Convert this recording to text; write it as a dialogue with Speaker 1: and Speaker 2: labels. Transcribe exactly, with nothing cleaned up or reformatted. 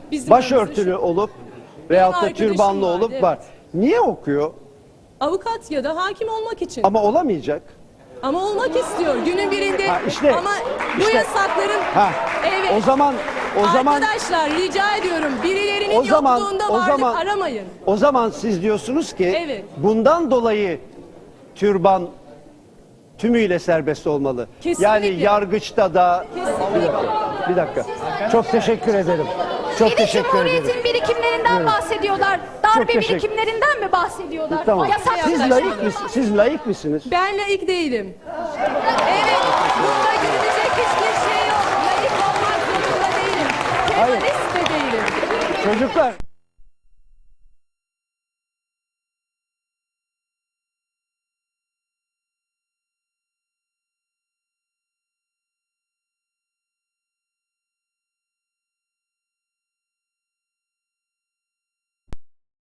Speaker 1: Bizim
Speaker 2: başörtülü
Speaker 1: önümüzde şu-
Speaker 2: olup veyahut da
Speaker 1: arkadaşım
Speaker 2: türbanlı
Speaker 1: vardı,
Speaker 2: olup
Speaker 1: evet.
Speaker 2: var. Niye okuyor?
Speaker 1: Avukat ya da hakim olmak için.
Speaker 2: Ama olamayacak.
Speaker 1: Ama olmak istiyor günün birinde.
Speaker 2: Ha, işte,
Speaker 1: Ama bu
Speaker 2: işte.
Speaker 1: yasakların
Speaker 2: Ha.
Speaker 1: evet.
Speaker 2: O zaman o zaman
Speaker 1: Arkadaşlar rica ediyorum birilerinin
Speaker 2: o zaman
Speaker 1: yokluğunda
Speaker 2: o
Speaker 1: varlık
Speaker 2: zaman
Speaker 1: aramayın.
Speaker 2: o zaman siz diyorsunuz ki
Speaker 1: Evet.
Speaker 2: bundan dolayı türban tümüyle serbest olmalı.
Speaker 1: Kesinlikle.
Speaker 2: Yani yargıçta da
Speaker 1: Kesinlikle.
Speaker 2: bir dakika. Bir dakika. Çok teşekkür ederim. Çok
Speaker 3: Bir de
Speaker 2: teşekkür ederim.
Speaker 3: Cumhuriyet'in birikimlerinden bahsediyorlar. Darbe
Speaker 2: teşekkür-
Speaker 3: birikimlerinden mi bahsediyorlar?
Speaker 2: Tamam.
Speaker 3: Yasak
Speaker 2: Siz
Speaker 3: yasak.
Speaker 2: laik misiniz? Siz laik misiniz?
Speaker 1: Ben laik değilim. Evet. Burada gülünecek hiçbir şey yok. Laik olmak zorunda değilim.
Speaker 2: Hayır.
Speaker 1: Kemalist de değilim.
Speaker 2: Çocuklar